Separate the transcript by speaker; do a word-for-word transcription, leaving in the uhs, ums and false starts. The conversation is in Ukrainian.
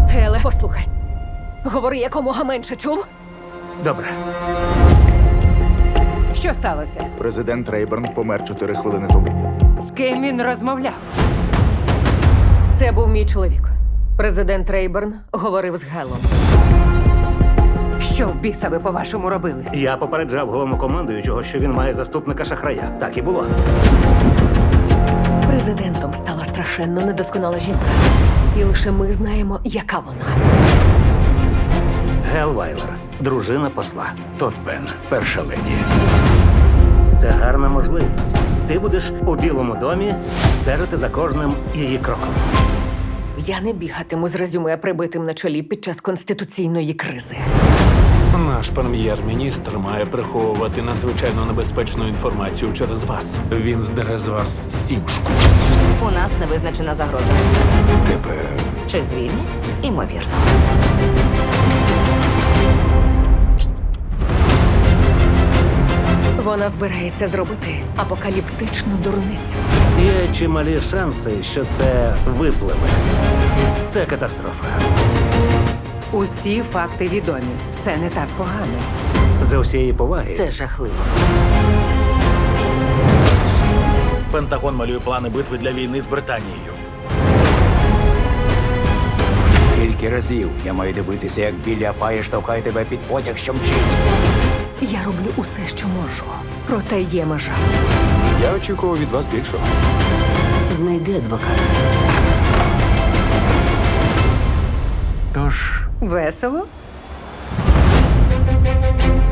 Speaker 1: Геле, послухай. Говори якомога менше, чув?
Speaker 2: Добре.
Speaker 3: Що сталося?
Speaker 4: Президент Рейберн помер чотири хвилини тому.
Speaker 3: З ким він розмовляв?
Speaker 1: Це був мій чоловік. Президент Рейберн говорив з Гелом.
Speaker 3: Що в біса ви, по-вашому, робили?
Speaker 2: Я попереджав головнокомандуючого, що він має заступника шахрая. Так і було.
Speaker 1: Президентом стала страшенно недосконала жінка. І лише ми знаємо, яка вона.
Speaker 2: Гел Вайлер, дружина посла.
Speaker 5: Тот Пен, перша леді.
Speaker 2: Це гарна можливість. Ти будеш у Білому домі стежити за кожним її кроком.
Speaker 1: Я не бігатиму з резюме прибитим на чолі під час конституційної кризи.
Speaker 5: Наш прем'єр-міністр має приховувати надзвичайно небезпечну інформацію через вас. Він здере з вас сімшку.
Speaker 6: У нас невизначена загроза.
Speaker 5: Тебе
Speaker 6: Чи звільнять? Імовірно.
Speaker 1: Вона збирається зробити апокаліптичну дурницю.
Speaker 2: Є чималі шанси, що це випливе. Це катастрофа.
Speaker 3: Усі факти відомі. Все не так погано.
Speaker 2: За усієї поваги.
Speaker 1: Це жахливо.
Speaker 7: Пентагон малює плани битви для війни з Британією.
Speaker 8: Скільки разів я маю дивитися, як Біллі Апає штовхає тебе під потяг, що мчить.
Speaker 1: Я роблю усе, що можу. Проте є межа.
Speaker 4: Я очікував від вас більшого.
Speaker 1: Знайди адвоката.
Speaker 8: Тож,
Speaker 3: Весело?